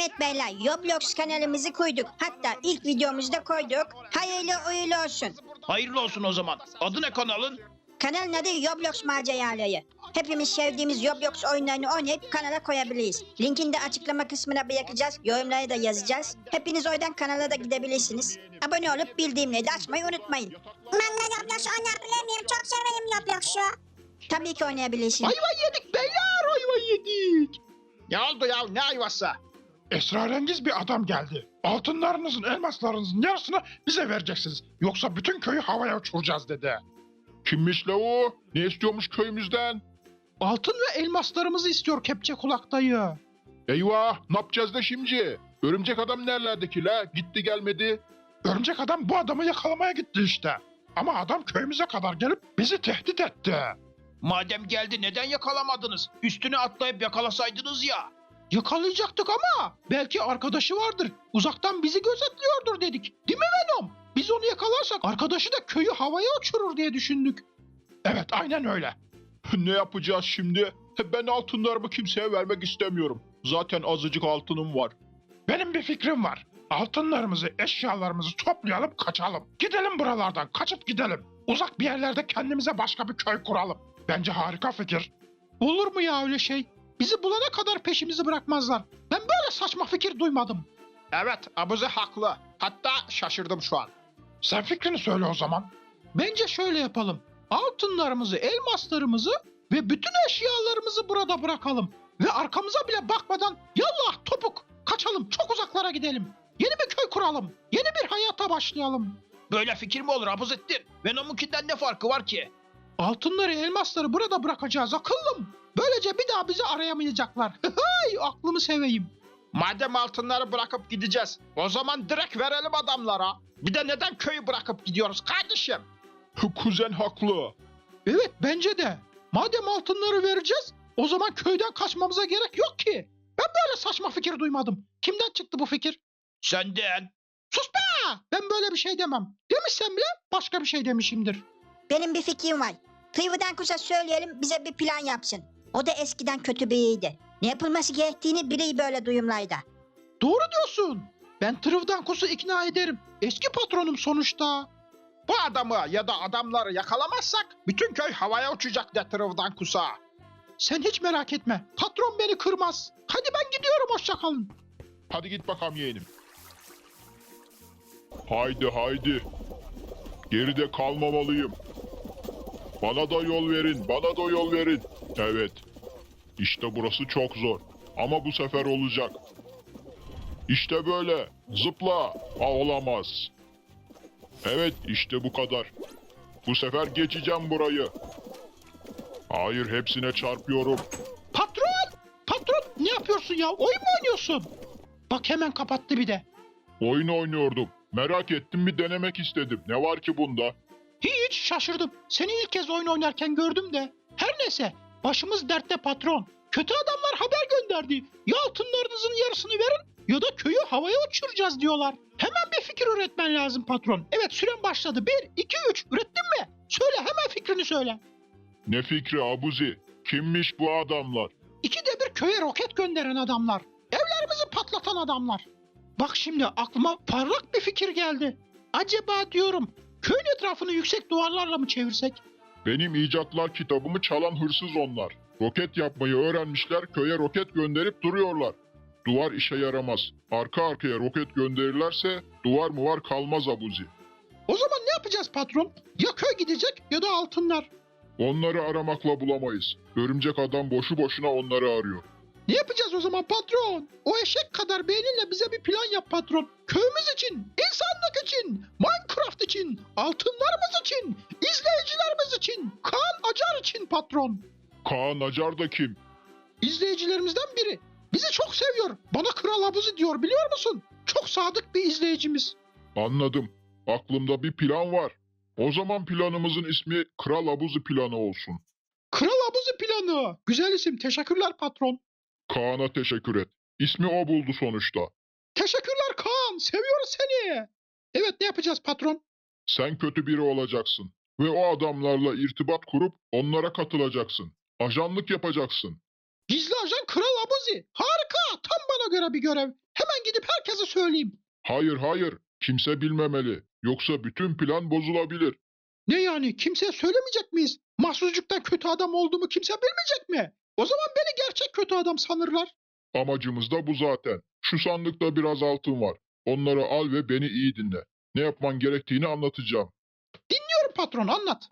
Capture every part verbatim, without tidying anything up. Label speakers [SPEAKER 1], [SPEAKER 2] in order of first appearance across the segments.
[SPEAKER 1] Evet beyler, Roblox kanalımızı koyduk. Hatta ilk videomuzu da koyduk. Hayırlı uğurlu olsun.
[SPEAKER 2] Hayırlı olsun o zaman. Adı ne kanalın?
[SPEAKER 1] Kanalın adı Roblox Maceraları. Hepimiz sevdiğimiz Roblox oyunlarını oynayıp kanala koyabiliriz. Linkini de açıklama kısmına bırakacağız. Yorumlara da yazacağız. Hepiniz oradan kanala da gidebilirsiniz. Abone olup bildirimleri de açmayı unutmayın.
[SPEAKER 3] Ben de Roblox oynayabilir miyim? Çok severim Roblox'u.
[SPEAKER 1] Tabii ki oynayabilirsiniz.
[SPEAKER 2] Ayva yedik beyler, ayva yedik. Ne oldu ya, ne ayvası?
[SPEAKER 4] Esrarengiz bir adam geldi. Altınlarınızın, elmaslarınızın yarısını bize vereceksiniz. Yoksa bütün köyü havaya uçuracağız dedi. Kimmiş la o? Ne istiyormuş köyümüzden?
[SPEAKER 2] Altın ve elmaslarımızı istiyor kepçe kulak dayı.
[SPEAKER 4] Eyvah, ne yapacağız da şimdi? Örümcek adam nerelerdeki la? Gitti gelmedi. Örümcek adam bu adamı yakalamaya gitti işte. Ama adam köyümüze kadar gelip bizi tehdit etti.
[SPEAKER 2] Madem geldi neden yakalamadınız? Üstüne atlayıp yakalasaydınız ya. Yakalayacaktık ama belki arkadaşı vardır. Uzaktan bizi gözetliyordur dedik. Değil mi Venom? Biz onu yakalarsak arkadaşı da köyü havaya uçurur diye düşündük.
[SPEAKER 4] Evet, aynen öyle. Ne yapacağız şimdi? Ben altınlarımı kimseye vermek istemiyorum. Zaten azıcık altınım var. Benim bir fikrim var. Altınlarımızı, eşyalarımızı toplayalım, kaçalım. Gidelim buralardan, kaçıp gidelim. Uzak bir yerlerde kendimize başka bir köy kuralım. Bence harika fikir.
[SPEAKER 2] Olur mu ya öyle şey? Bizi bulana kadar peşimizi bırakmazlar. Ben böyle saçma fikir duymadım. Evet, Abuzi haklı. Hatta şaşırdım şu an.
[SPEAKER 4] Sen fikrini söyle o zaman.
[SPEAKER 2] Bence şöyle yapalım. Altınlarımızı, elmaslarımızı ve bütün eşyalarımızı burada bırakalım. Ve arkamıza bile bakmadan yallah topuk kaçalım, çok uzaklara gidelim. Yeni bir köy kuralım. Yeni bir hayata başlayalım. Böyle fikir mi olur Abuzettin? Venom'unkinden ne farkı var ki? Altınları, elmasları burada bırakacağız akıllım. Böylece bir daha bizi arayamayacaklar. Hay, aklımı seveyim. Madem altınları bırakıp gideceğiz, o zaman direkt verelim adamlara. Bir de neden köyü bırakıp gidiyoruz kardeşim?
[SPEAKER 4] Kuzen haklı.
[SPEAKER 2] Evet, bence de. Madem altınları vereceğiz, o zaman köyden kaçmamıza gerek yok ki. Ben böyle saçma fikir duymadım. Kimden çıktı bu fikir? Senden. Sus be! Ben böyle bir şey demem. Demişsem bile başka bir şey demişimdir.
[SPEAKER 1] Benim bir fikrim var. Tıyvıdan Kuş'a söyleyelim, bize bir plan yapsın. O da eskiden kötü biriydi. Ne yapılması gerektiğini biliyor böyle duyumlarda.
[SPEAKER 2] Doğru diyorsun. Ben Trıvdan Kus'u ikna ederim. Eski patronum sonuçta. Bu adamı ya da adamları yakalamazsak bütün köy havaya uçacak de Trıvdan Kus'a. Sen hiç merak etme. Patron beni kırmaz. Hadi ben gidiyorum, hoşça kalın.
[SPEAKER 4] Hadi git bakalım yeğenim. Haydi haydi. Geride kalmamalıyım. Bana da yol verin, bana da yol verin. Evet. İşte burası çok zor. Ama bu sefer olacak. İşte böyle. Zıpla. Ha, olamaz. Evet, işte bu kadar. Bu sefer geçeceğim burayı. Hayır, hepsine çarpıyorum.
[SPEAKER 2] Patron! Patron ne yapıyorsun ya? Oyun mu oynuyorsun? Bak hemen kapattı bir de.
[SPEAKER 4] Oyun oynuyordum. Merak ettim, bir denemek istedim. Ne var ki bunda?
[SPEAKER 2] Hiç şaşırdım. Seni ilk kez oyun oynarken gördüm de. Her neyse, başımız dertte patron. Kötü adamlar haber gönderdi. Ya altınlarınızın yarısını verin ya da köyü havaya uçuracağız diyorlar. Hemen bir fikir üretmen lazım patron. Evet, süren başladı. Bir, iki, üç. Ürettin mi? Söyle, hemen fikrini söyle.
[SPEAKER 4] Ne fikri Abuzi? Kimmiş bu adamlar?
[SPEAKER 2] İkide bir köye roket gönderen adamlar. Evlerimizi patlatan adamlar. Bak şimdi aklıma parlak bir fikir geldi. Acaba diyorum, köyün etrafını yüksek duvarlarla mı çevirsek?
[SPEAKER 4] Benim icatlar kitabımı çalan hırsız onlar. Roket yapmayı öğrenmişler, köye roket gönderip duruyorlar. Duvar işe yaramaz. Arka arkaya roket gönderirlerse duvar mı var kalmaz Abuzi.
[SPEAKER 2] O zaman ne yapacağız patron? Ya köy gidecek ya da altınlar.
[SPEAKER 4] Onları aramakla bulamayız. Örümcek adam boşu boşuna onları arıyor.
[SPEAKER 2] Ne yapacağız o zaman patron? O eşek kadar beyninle bize bir plan yap patron. Köyümüz için, insanlık için, Minecraft için, altınlarımız için, izleyicilerimiz için, Kaan Acar için patron.
[SPEAKER 4] Kaan Acar da kim?
[SPEAKER 2] İzleyicilerimizden biri. Bizi çok seviyor. Bana Kral Abuzi diyor, biliyor musun? Çok sadık bir izleyicimiz.
[SPEAKER 4] Anladım. Aklımda bir plan var. O zaman planımızın ismi Kral Abuzi planı olsun.
[SPEAKER 2] Kral Abuzi planı. Güzel isim. Teşekkürler patron.
[SPEAKER 4] Kaan'a teşekkür et. İsmi o buldu sonuçta.
[SPEAKER 2] Teşekkürler Kaan. Seviyoruz seni. Evet, ne yapacağız patron?
[SPEAKER 4] Sen kötü biri olacaksın. Ve o adamlarla irtibat kurup onlara katılacaksın. Ajanlık yapacaksın.
[SPEAKER 2] Gizli ajan Kral Abuzi. Harika. Tam bana göre bir görev. Hemen gidip herkese söyleyeyim.
[SPEAKER 4] Hayır hayır. Kimse bilmemeli. Yoksa bütün plan bozulabilir.
[SPEAKER 2] Ne yani kimseye söylemeyecek miyiz? Mahsuzcuktan kötü adam olduğumu kimse bilmeyecek mi? O zaman beni gerçek kötü adam sanırlar.
[SPEAKER 4] Amacımız da bu zaten. Şu sandıkta biraz altın var. Onları al ve beni iyi dinle. Ne yapman gerektiğini anlatacağım.
[SPEAKER 2] Dinliyorum patron, anlat.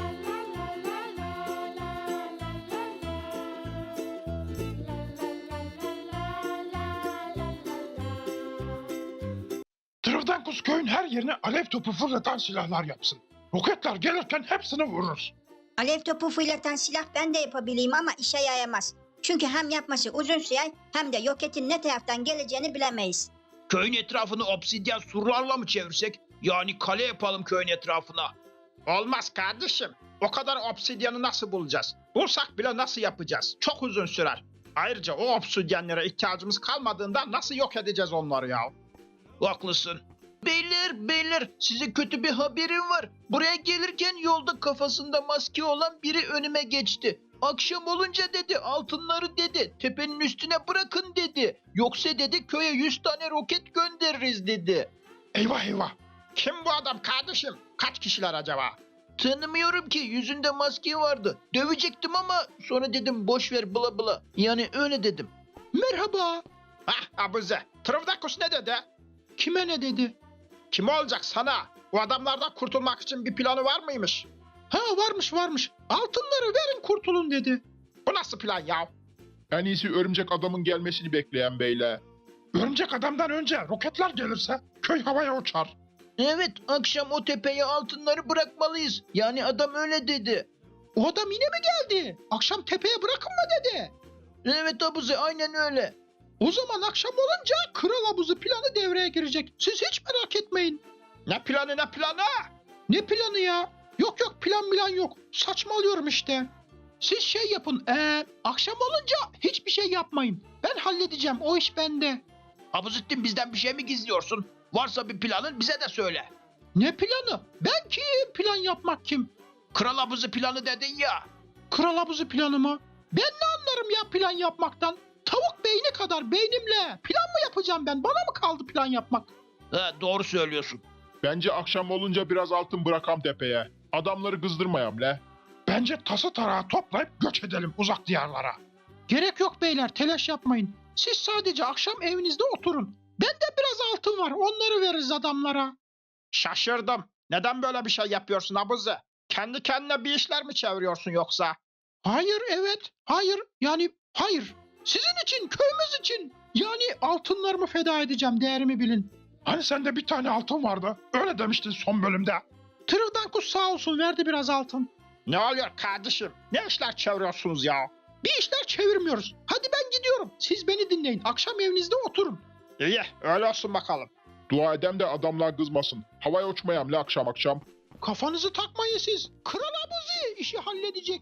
[SPEAKER 2] Trivdankus köyün her yerine alev topu fırlatan silahlar yapsın. Roketler gelirken hepsini vururuz.
[SPEAKER 1] Alev topu fırlatan silah ben de yapabileyim ama işe yaramaz. Çünkü hem yapması uzun sürer hem de roketin ne taraftan geleceğini bilemeyiz.
[SPEAKER 5] Köyün etrafını obsidyen surlarla mı çevirsek? Yani kale yapalım köyün etrafına. Olmaz kardeşim. O kadar obsidyanı nasıl bulacağız? Bulsak bile nasıl yapacağız? Çok uzun sürer. Ayrıca o obsidyenlere ihtiyacımız kalmadığında nasıl yok edeceğiz onları ya? Haklısın. Beyler beyler size kötü bir haberim var. Buraya gelirken yolda kafasında maske olan biri önüme geçti. Akşam olunca dedi altınları dedi tepenin üstüne bırakın dedi. Yoksa dedi köye yüz tane roket göndeririz dedi.
[SPEAKER 2] Eyvah eyvah.
[SPEAKER 5] Kim bu adam kardeşim? Kaç kişiler acaba? Tanımıyorum ki yüzünde maske vardı. Dövecektim ama sonra dedim boş ver bla bla. Yani öyle dedim.
[SPEAKER 2] Merhaba.
[SPEAKER 5] Hah abuze. Trivdakus ne dedi?
[SPEAKER 2] Kime ne dedi?
[SPEAKER 5] Kim olacak sana? O adamlardan kurtulmak için bir planı var mıymış?
[SPEAKER 2] Ha varmış varmış. Altınları verin kurtulun dedi.
[SPEAKER 5] Bu nasıl plan ya?
[SPEAKER 4] En iyisi örümcek adamın gelmesini bekleyen beyler.
[SPEAKER 2] Örümcek adamdan önce roketler gelirse köy havaya uçar.
[SPEAKER 5] Evet akşam o tepeye altınları bırakmalıyız. Yani adam öyle dedi.
[SPEAKER 2] O adam yine mi geldi? Akşam tepeye bırakın mı dedi?
[SPEAKER 5] Evet abuze aynen öyle.
[SPEAKER 2] O zaman akşam olunca kral abuzu planı devreye girecek. Siz hiç merak etmeyin.
[SPEAKER 5] Ne planı ne planı?
[SPEAKER 2] Ne planı ya? Yok yok plan plan yok. Saçmalıyorum işte. Siz şey yapın. Ee, akşam olunca hiçbir şey yapmayın. Ben halledeceğim. O iş bende.
[SPEAKER 5] Abuzettin bizden bir şey mi gizliyorsun? Varsa bir planın bize de söyle.
[SPEAKER 2] Ne planı? Ben kim? Plan yapmak kim?
[SPEAKER 5] Kral abuzu planı dedin ya.
[SPEAKER 2] Kral abuzu planı mı? Ben ne anlarım ya plan yapmaktan? Tavuk beyni kadar beynimle plan mı yapacağım ben? Bana mı kaldı plan yapmak?
[SPEAKER 5] He, doğru söylüyorsun.
[SPEAKER 4] Bence akşam olunca biraz altın bırakam tepeye. Adamları kızdırmayam le.
[SPEAKER 2] Bence tası tarağı toplayıp göç edelim uzak diyarlara. Gerek yok beyler, telaş yapmayın. Siz sadece akşam evinizde oturun. Bende biraz altın var, onları veririz adamlara.
[SPEAKER 5] Şaşırdım. Neden böyle bir şey yapıyorsun abuze? Kendi kendine bir işler mi çeviriyorsun yoksa?
[SPEAKER 2] Hayır, evet, hayır, yani hayır. Sizin için, köyümüz için. Yani altınlarımı feda edeceğim, değerimi bilin. Hani sende bir tane altın vardı, öyle demiştin son bölümde. Trivdankus sağ olsun, verdi biraz altın.
[SPEAKER 5] Ne oluyor kardeşim? Ne işler çeviriyorsunuz ya?
[SPEAKER 2] Bir işler çevirmiyoruz. Hadi ben gidiyorum. Siz beni dinleyin. Akşam evinizde oturun.
[SPEAKER 5] İyi öyle olsun bakalım.
[SPEAKER 4] Dua edem de adamlar kızmasın. Havaya uçmayam le akşam akşam.
[SPEAKER 2] Kafanızı takmayın siz. Kral abuzi işi halledecek.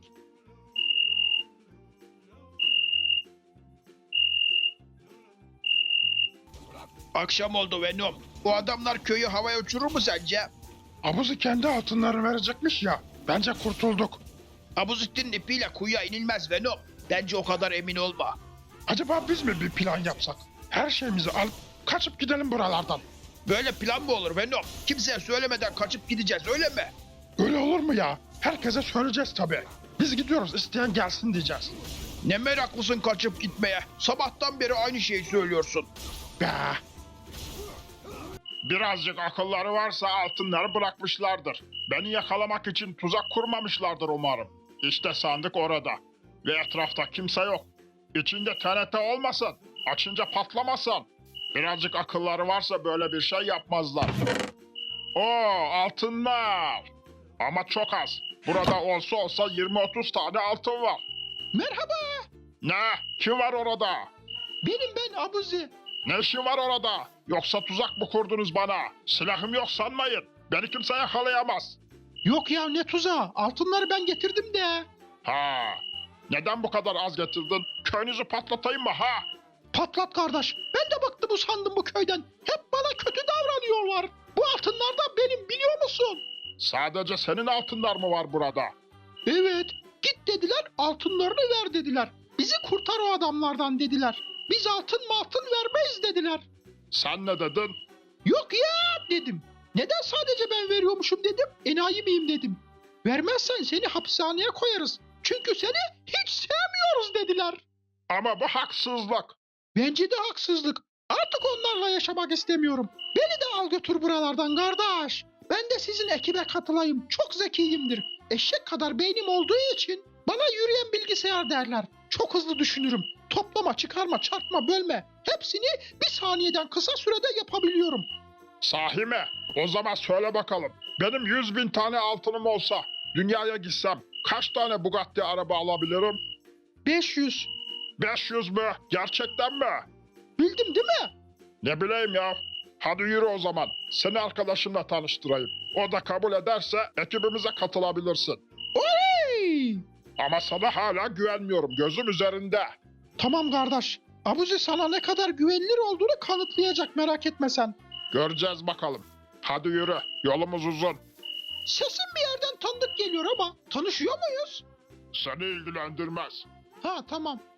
[SPEAKER 5] Akşam oldu Venom. O adamlar köyü havaya uçurur mu sence?
[SPEAKER 2] Abuzi kendi altınlarını verecekmiş ya. Bence kurtulduk.
[SPEAKER 5] Abuzettin ipiyle kuyuya inilmez Venom. Bence o kadar emin olma.
[SPEAKER 2] Acaba biz mi bir plan yapsak? Her şeyimizi alıp kaçıp gidelim buralardan.
[SPEAKER 5] Böyle plan mı olur Venom? Kimseye söylemeden kaçıp gideceğiz öyle mi?
[SPEAKER 2] Öyle olur mu ya? Herkese söyleyeceğiz tabii. Biz gidiyoruz, isteyen gelsin diyeceğiz.
[SPEAKER 5] Ne meraklısın kaçıp gitmeye. Sabahtan beri aynı şeyi söylüyorsun.
[SPEAKER 2] Be.
[SPEAKER 4] Birazcık akılları varsa altınları bırakmışlardır. Beni yakalamak için tuzak kurmamışlardır umarım. İşte sandık orada. Ve etrafta kimse yok. İçinde T N T olmasın. Açınca patlamasın. Birazcık akılları varsa böyle bir şey yapmazlar. Oo altınlar. Ama çok az. Burada olsa olsa yirmi otuz tane altın var.
[SPEAKER 2] Merhaba.
[SPEAKER 4] Ne? Kim var orada?
[SPEAKER 2] Benim ben Abuzi.
[SPEAKER 4] Ne işin var orada? Yoksa tuzak mı kurdunuz bana? Silahım yok sanmayın. Beni kimse yakalayamaz.
[SPEAKER 2] Yok ya ne tuzağı. Altınları ben getirdim de.
[SPEAKER 4] Ha. Neden bu kadar az getirdin? Köyünüzü patlatayım mı ha?
[SPEAKER 2] Patlat kardeş. Ben de bıktım usandım bu köyden. Hep bana kötü davranıyorlar. Bu altınlar da benim biliyor musun?
[SPEAKER 4] Sadece senin altınlar mı var burada?
[SPEAKER 2] Evet. Git dediler altınlarını ver dediler. Bizi kurtar o adamlardan dediler. Biz altın mı altın vermeyiz dediler.
[SPEAKER 4] Sen ne dedin?
[SPEAKER 2] Yok ya dedim. Neden sadece ben veriyormuşum dedim. Enayi miyim dedim. Vermezsen seni hapishaneye koyarız. Çünkü seni hiç sevmiyoruz dediler.
[SPEAKER 4] Ama bu haksızlık.
[SPEAKER 2] Bence de haksızlık. Artık onlarla yaşamak istemiyorum. Beni de al götür buralardan kardeş. Ben de sizin ekibe katılayım. Çok zekiyimdir. Eşek kadar beynim olduğu için bana yürüyen bilgisayar derler. Çok hızlı düşünürüm. Toplama, çıkarma, çarpma, bölme. Hepsini bir saniyeden kısa sürede yapabiliyorum.
[SPEAKER 4] Sahi mi? O zaman söyle bakalım. Benim yüz bin tane altınım olsa dünyaya gitsem kaç tane Bugatti araba alabilirim?
[SPEAKER 2] beş yüz.
[SPEAKER 4] beş yüz mü? Gerçekten mi?
[SPEAKER 2] Bildim değil mi?
[SPEAKER 4] Ne bileyim ya. Hadi yürü o zaman. Seni arkadaşımla tanıştırayım. O da kabul ederse ekibimize katılabilirsin.
[SPEAKER 2] Hey!
[SPEAKER 4] Ama sana hala güvenmiyorum. Gözüm üzerinde.
[SPEAKER 2] Tamam kardeş. Abuzi sana ne kadar güvenilir olduğunu kanıtlayacak, merak etme sen.
[SPEAKER 4] Göreceğiz bakalım. Hadi yürü. Yolumuz uzun.
[SPEAKER 2] Sesin bir yerden tanıdık geliyor ama tanışıyor muyuz?
[SPEAKER 4] Seni ilgilendirmez.
[SPEAKER 2] Ha tamam.